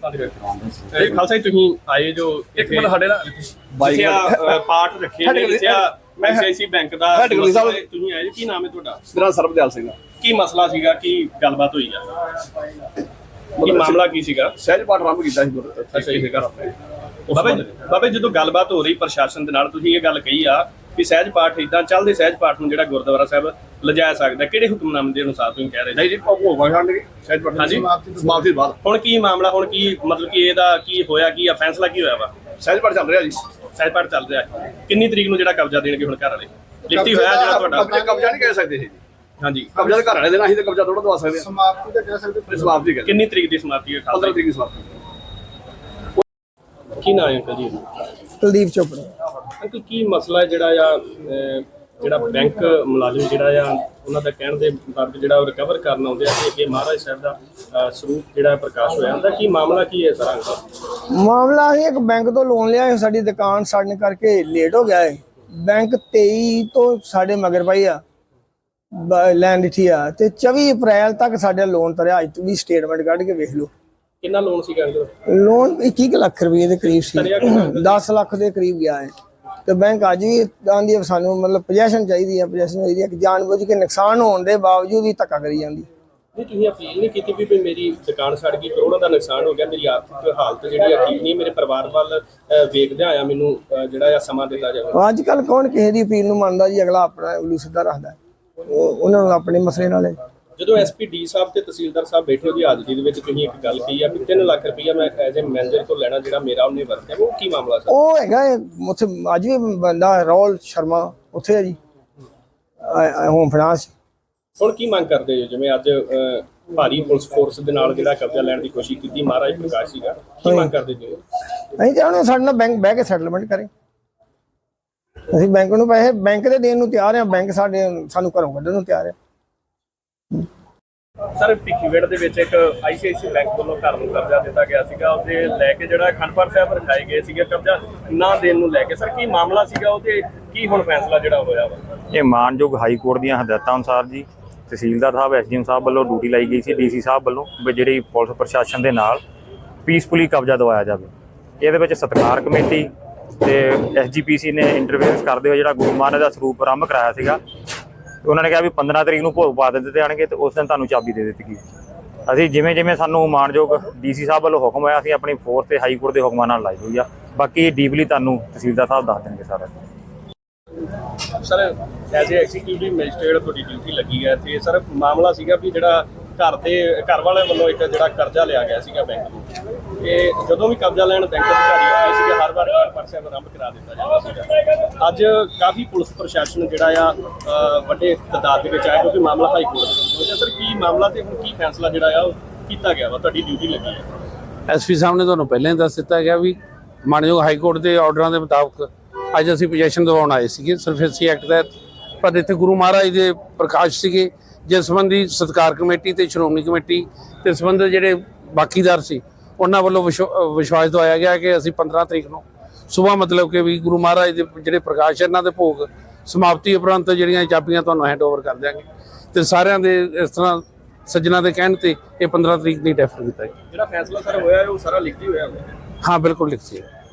ਖਾਲਸਾ ਜੀ ਤੁਸੀਂ ਆਏ ਜੋ ਇੱਕ ਮਿੰਟ ਸਾਡੇ ਨਾਲ ਪਾਠ ਰੱਖੇ ਨੇ ਲਿਖਿਆ ਆਈਸੀਆਈਸੀ ਬੈਂਕ ਦਾ ਤੁਸੀਂ ਆਏ ਕੀ ਨਾਮ ਹੈ ਤੁਹਾਡਾ? ਮੇਰਾ ਸਰਬਦਿਆਲ ਸਿੰਘ। ਕੀ ਮਸਲਾ ਸੀਗਾ, ਕੀ ਗੱਲਬਾਤ ਹੋਈ ਆ, ਕੀ ਮਾਮਲਾ ਕੀ ਸੀਗਾ? ਸਹਿਜ ਪਾਠ ਆਰੰਭ ਕੀਤਾ ਸੀ ਘਰ ਆਪਣੇ। ਬਾਬੇ ਜਦੋਂ ਗੱਲਬਾਤ ਹੋ ਰਹੀ ਪ੍ਰਸ਼ਾਸਨ ਦੇ ਨਾਲ, ਤੁਸੀਂ ਇਹ ਗੱਲ ਕਹੀ ਆ ਵੀ ਸਹਿਜ ਪਾਠ ਇਦਾਂ ਚੱਲਦੇ, ਸਹਿਜ ਪਾਠ ਨੂੰ ਜਿਹੜਾ ਗੁਰਦੁਆਰਾ ਸਾਹਿਬ ਲਿਜਾਇਆ ਸਕਦਾ, ਕਿਹੜੇ ਹੁਕਮਨਾਮੇ ਦੇ ਅਨੁਸਾਰ ਤੁਸੀਂ ਕਹਿ ਰਹੇ? ਨਹੀਂ ਜੀ, ਭੋਗ ਛੱਡਣਗੇ ਸਹਿਜ ਪਾਠ ਹਾਂਜੀ ਸਮਾਪਤੀ ਤੋਂ ਬਾਅਦ। ਹੁਣ ਕੀ ਮਾਮਲਾ, ਹੁਣ ਕੀ ਮਤਲਬ ਕਿ ਇਹਦਾ ਕੀ ਹੋਇਆ, ਕੀ ਆ ਫੈਸਲਾ ਕੀ ਹੋਇਆ ਵਾ? ਸਹਿਜ ਪਾਠ ਚੱਲ ਰਿਹਾ ਜੀ। ਸਹਿਜ ਪਾਠ ਚੱਲ ਰਿਹਾ। ਕਿੰਨੀ ਤਰੀਕ ਨੂੰ ਜਿਹੜਾ ਕਬਜ਼ਾ ਦੇਣਗੇ ਹੁਣ ਘਰ ਵਾਲੇ? ਲਿਖਤੀ ਹੋਇਆ ਜਿਹੜਾ ਤੁਹਾਡਾ? ਕਬਜ਼ਾ ਨਹੀਂ ਕਹਿ ਸਕਦੇ ਜੀ। ਹਾਂਜੀ, ਕਬਜ਼ਾ ਘਰ ਵਾਲੇ ਦੇਣਾ, ਅਸੀਂ ਤਾਂ ਕਬਜ਼ਾ ਥੋੜਾ ਦਵਾ ਸਕਦੇ ਹਾਂ। ਸਮਾਪਤੀ ਤਾਂ ਕਹਿ ਸਕਦੇ। ਸਮਾਪਤੀ ਕਿੰਨੀ ਤਰੀਕ ਦੀ ਸਮਾਪਤੀ ਹੈ? 15 ਤਰੀਕ ਦੀ ਸਮਾਪਤੀ। ਕੀ ਨਾਮ ਹੈ ਅੰਕਲ ਜੀ? ਕੁਲਦੀਪ ਚੋਪੜਾ। ਅੰਕਲ ਕੀ ਮਸਲਾ ਹੈ ਜਿਹੜਾ ਬੈਂਕ ਮੁਲਾਜ਼ਮ ਜਿਹੜਾ ਆ ਉਹਨਾਂ ਦਾ ਕਹਿਣ ਦੇ ਮੁਤਾਬਕ ਜਿਹੜਾ ਉਹ ਰਿਕਵਰ ਕਰਨ ਆਉਂਦੇ ਆ ਕਿ ਅੱਗੇ ਮਹਾਰਾਜ ਸਾਹਿਬ ਦਾ ਸਰੂਪ ਜਿਹੜਾ ਪ੍ਰਕਾਸ਼ ਹੋਇਆ ਹੁੰਦਾ, ਕੀ ਮਾਮਲਾ ਕੀ ਹੈ ਸਰ? ਮਾਮਲਾ ਹੈ ਇੱਕ ਬੈਂਕ ਤੋਂ ਲੋਨ ਲਿਆ ਹੈ, ਸਾਡੀ ਦੁਕਾਨ ਸਾੜਨ ਕਰਕੇ ਲੇਟ ਹੋ ਗਿਆ ਹੈ। ਬੈਂਕ 23 ਤੋਂ ਸਾਡੇ ਮਗਰ ਪਈ ਆ ਲੈਣ ਦਿੱਤੀ ਆ ਤੇ 24 ਅਪ੍ਰੈਲ ਤੱਕ ਸਾਡਾ ਲੋਨ ਤਰਿਆ। ਅੱਜ ਵੀ ਸਟੇਟਮੈਂਟ ਕੱਢ ਕੇ ਵੇਖ ਲਓ। ਕਿੰਨਾ ਲੋਨ ਸੀਗਾ ਅੰਕਲ? ਲੋਨ 21 ਲੱਖ ਰੁਪਏ ਦੇ ਕਰੀਬ ਸੀ, 10 ਲੱਖ ਦੇ ਕਰੀਬ ਗਿਆ ਹੈ। ਤੇ ਬੈਂਕ ਅੱਜ ਵੀ ਆਂਦੀ ਸਾਨੂੰ ਮਤਲਬ ਪੋਜੈਸ਼ਨ ਚਾਹੀਦੀ ਹੈ, ਪੋਜੈਸ਼ਨ ਚਾਹੀਦੀ ਹੈ ਕਿ ਜਾਣਬੁੱਝ ਕੇ ਨੁਕਸਾਨ ਹੋਣ ਦੇ ਬਾਵਜੂਦ ਵੀ ਧੱਕਾ ਕਰੀ ਜਾਂਦੀ। ਨਹੀਂ, ਤੁਸੀਂ ਅਪੀਲ ਨਹੀਂ ਕੀਤੀ ਵੀ ਮੇਰੀ ਦੁਕਾਨ ਸੜ ਗਈ, ਕਰੋੜਾਂ ਦਾ ਨੁਕਸਾਨ ਹੋ ਗਿਆ, ਮੇਰੀ ਆਰਥਿਕ ਹਾਲਤ ਜਿਹੜੀ ਆ ਠੀਕ ਨਹੀਂ, ਮੇਰੇ ਪਰਿਵਾਰ ਵੱਲ ਵੇਖਦਿਆਂ ਆਇਆ ਮੈਨੂੰ ਜਿਹੜਾ ਆ ਸਮਾਂ ਦਿੱਤਾ ਜਾਵੇ? ਅੱਜ ਕੱਲ ਕੌਣ ਕਿਸੇ ਦੀ ਅਪੀਲ ਨੂੰ ਮੰਨਦਾ ਜੀ, ਅਗਲਾ ਆਪਣਾ ਉਲੂ ਸਿੱਧਾ ਰੱਖਦਾ, ਉਹਨਾਂ ਨੂੰ ਆਪਣੇ ਮਸਲੇ ਨਾਲ। ਜਦੋਂ ਐਸਪੀ ਡੀ ਸਾਹਿਬ ਤੇ ਤਹਿਸੀਲਦਾਰ ਸਾਹਿਬ ਬੈਠੇ ਉਹਦੀ ਹਾਜ਼ਰੀ ਦੇ ਵਿੱਚ ਤੁਸੀਂ ਇੱਕ ਗੱਲ ਕਹੀ ਆ ਕਿ 3 ਲੱਖ ਰੁਪਈਆ ਮੈਂ ਐਜ਼ ਏ ਮੈਨੇਜਰ ਤੋਂ ਲੈਣਾ, ਜਿਹੜਾ ਮੇਰਾ ਉਹਨੇ ਵਰਤਿਆ, ਉਹ ਕੀ ਮਾਮਲਾ ਸਰ? ਉਹ ਹੈਗਾ ਉੱਥੇ ਅੱਜ ਵੀ ਬੰਦਾ ਰਾਹੁਲ ਸ਼ਰਮਾ ਉੱਥੇ ਹੈ ਜੀ, ਹੋਮ ਫਾਈਨਾਂਸ। ਹੁਣ ਕੀ ਮੰਗ ਕਰਦੇ ਹੋ? ਜਿਵੇਂ ਅੱਜ ਭਾਰੀ ਪੁਲਿਸ ਫੋਰਸ ਦੇ ਨਾਲ ਜਿਹੜਾ ਕਬਜ਼ਾ ਲੈਣ ਦੀ ਕੋਸ਼ਿਸ਼ ਕੀਤੀ ਮਹਾਰਾਜ ਪ੍ਰਕਾਸ਼ ਸੀਗਾ, ਕੀ ਮੰਗ ਕਰਦੇ ਜੀ? ਅਸੀਂ ਚਾਹੁੰਦੇ ਸਾਡੇ ਨਾਲ ਬੈਂਕ ਬਹਿ ਕੇ ਸੈਟਲਮੈਂਟ ਕਰੇ। ਅਸੀਂ ਬੈਂਕ ਨੂੰ ਪੈਸੇ ਬੈਂਕ ਦੇ ਦੇਣ ਨੂੰ ਤਿਆਰ ਹਾਂ, ਬੈਂਕ ਸਾਨੂੰ ਘਰੋਂ ਕੱਢਣ ਨੂੰ ਤਿਆਰ ਹੈ। ਸਰ ਭਿੱਖੀਵਿੰਡ ਦੇ ਵਿੱਚ ਇੱਕ ਆਈਸੀਆਈਸੀ ਬੈਂਕ ਵੱਲੋਂ ਘਰ ਨੂੰ ਕਬਜ਼ਾ ਦਿੱਤਾ ਗਿਆ ਸੀਗਾ, ਉਹਦੇ ਲੈ ਕੇ ਜਿਹੜਾ ਅਖੰਡਪੁਰ ਸਾਹਿਬ ਰਖਾਏ ਗਏ ਸੀਗੇ ਕਬਜ਼ਾ ਨਾ ਦੇਣ ਨੂੰ ਲੈ ਕੇ, ਸਰ ਕੀ ਮਾਮਲਾ ਸੀਗਾ ਉਹਦੇ, ਕੀ ਹੁਣ ਫੈਸਲਾ ਜਿਹੜਾ ਹੋਇਆ ਵਾ? ਇਹ ਮਾਨਯੋਗ ਹਾਈ ਕੋਰਟ ਦੀਆਂ ਹਦਾਇਤਾਂ ਅਨੁਸਾਰ ਜੀ ਤਹਿਸੀਲਦਾਰ ਸਾਹਿਬ ਐਸਡੀਐਮ ਸਾਹਿਬ ਵੱਲੋਂ ਡਿਊਟੀ ਲਾਈ ਗਈ ਸੀ, ਡੀਸੀ ਸਾਹਿਬ ਵੱਲੋਂ ਵੀ ਜਿਹੜੀ ਪੁਲਿਸ ਪ੍ਰਸ਼ਾਸਨ ਦੇ ਨਾਲ ਪੀਸਫੁਲੀ ਕਬਜ਼ਾ ਦਵਾਇਆ ਜਾਵੇ। ਇਹਦੇ ਵਿੱਚ ਸਤਿਕਾਰ ਕਮੇਟੀ ਤੇ ਐਸਜੀਪੀਸੀ ਨੇ ਇੰਟਰਫੇਰੈਂਸ ਕਰਦੇ ਹੋਏ ਜਿਹੜਾ ਗੁਰੂ ਮਹਾਰਾਜ ਦਾ ਸਰੂਪ ਆਰੰਭ ਕਰਾਇਆ ਸੀਗਾ, ਉਹਨਾਂ ਨੇ ਕਿਹਾ ਵੀ 15 ਤਰੀਕ ਨੂੰ ਭੋਗ ਪਾ ਦਿੱਤੇ ਜਾਣਗੇ ਤੇ ਉਸ ਦਿਨ ਤੁਹਾਨੂੰ ਚਾਬੀ ਦੇ ਦਿੱਤੀ ਗਈ। ਅਸੀਂ ਜਿਵੇਂ ਜਿਵੇਂ ਸਾਨੂੰ ਮਾਨਯੋਗ ਡੀਸੀ ਸਾਹਿਬ ਵੱਲੋਂ ਹੁਕਮ ਹੋਇਆ, ਅਸੀਂ ਆਪਣੀ ਫੋਰਸ ਤੇ ਹਾਈ ਕੋਰਟ ਦੇ ਹੁਕਮਾਂ ਨਾਲ ਲਾਈ ਹੋਈ ਆ। ਬਾਕੀ ਡੀਪਲੀ ਤੁਹਾਨੂੰ ਤਹਿਸੀਲਦਾਰ ਸਾਹਿਬ ਦੱਸ ਦੇਣਗੇ ਸਾਰਾ। Sir as a executive magistrate ਤੁਹਾਡੀ ਡਿਊਟੀ ਲੱਗੀ ਹੈ ਤੇ ਸਰ ਮਾਮਲਾ ਸੀਗਾ ਵੀ ਜਿਹੜਾ ਘਰ ਵਾਲੇ ਵੱਲੋਂ ਇੱਕ ਜਿਹੜਾ ਕਰਜ਼ਾ ਲਿਆ ਗਿਆ ਸੀਗਾ ਬੈਂਕ ਨੂੰ, ਤੇ ਜਦੋਂ ਵੀ ਕਬਜ਼ਾ ਲੈਣ ਬੈਂਕ ਅਧਿਕਾਰੀ ਆਉਂਦੇ ਸੀਗੇ ਹਰ ਵਾਰ ਪਰਚਾ ਆਰੰਭ ਕਰਾ ਦਿੱਤਾ ਜਾਂਦਾ ਸੀਗਾ। ਅੱਜ ਕਾਫੀ ਪੁਲਿਸ ਪ੍ਰਸ਼ਾਸਨ ਜਿਹੜਾ ਆ ਵੱਡੇ ਤਾਦਾਦ ਦੇ ਵਿੱਚ ਆਇਆ ਕਿਉਂਕਿ ਮਾਮਲਾ ਹਾਈ ਕੋਰਟ ਵਿੱਚ। ਸਰ ਕੀ ਮਾਮਲਾ ਤੇ ਹੁਣ ਕੀ ਫੈਸਲਾ ਜਿਹੜਾ ਆ ਉਹ ਕੀਤਾ ਗਿਆ ਵਾ? ਤੁਹਾਡੀ ਡਿਊਟੀ ਲੱਗੀ ਹੈ। ਐਸਪੀ ਸਾਹਿਬ ਨੇ ਤੁਹਾਨੂੰ ਪਹਿਲਾਂ ਹੀ ਦੱਸ ਦਿੱਤਾ ਗਿਆ ਵੀ ਮਾਨਯੋਗ ਹਾਈ ਕੋਰਟ ਦੇ ਆਰਡਰਾਂ ਦੇ ਮੁਤਾਬਕ ਅੱਜ ਅਸੀਂ ਪੋਜੈਸ਼ਨ ਦਿਵਾਉਣ ਆਏ ਸੀਗੇ ਸਰਫੇਸੀ ਐਕਟ ਤਹਿਤ, ਪਰ ਇੱਥੇ ਗੁਰੂ ਮਹਾਰਾਜ ਦੇ ਪ੍ਰਕਾਸ਼ ਸੀਗੇ ਜਿਸ ਸੰਬੰਧੀ ਸਤਿਕਾਰ ਕਮੇਟੀ ਤੇ ਸ਼੍ਰੋਮਣੀ ਕਮੇਟੀ ਤੇ ਸੰਬੰਧਿਤ ਜਿਹੜੇ ਬਾਕੀਦਾਰ ਸੀ ਉਹਨਾਂ ਵੱਲੋਂ ਵਿਸ਼ਵਾਸ ਦਵਾਇਆ ਗਿਆ ਕਿ ਅਸੀਂ 15 ਤਰੀਕ ਨੂੰ ਸੁਬਾਹ ਮਤਲਬ ਕਿ ਵੀ ਗੁਰੂ ਮਹਾਰਾਜ ਦੇ ਜਿਹੜੇ ਪ੍ਰਕਾਸ਼ ਇਹਨਾਂ ਦੇ ਭੋਗ ਸਮਾਪਤੀ ਉਪਰੰਤ ਜਿਹੜੀਆਂ ਚਾਬੀਆਂ ਤੁਹਾਨੂੰ ਹੈਂਡ ਓਵਰ ਕਰ ਦਿਆਂਗੇ। ਤੇ ਸਾਰਿਆਂ ਦੇ ਇਸ ਤਰ੍ਹਾਂ ਸੱਜਣਾ ਦੇ ਕਹਿਣ ਤੇ ਇਹ 15 ਤਰੀਕ ਦੀ ਡੈਫਰ ਕੀਤਾ। ਜਿਹੜਾ ਫੈਸਲਾ ਸਰ ਹੋਇਆ ਉਹ ਸਾਰਾ ਲਿਖਤੀ ਹੋਇਆ? ਹਾਂ ਬਿਲਕੁਲ ਲਿਖਤੀ ਹੈ।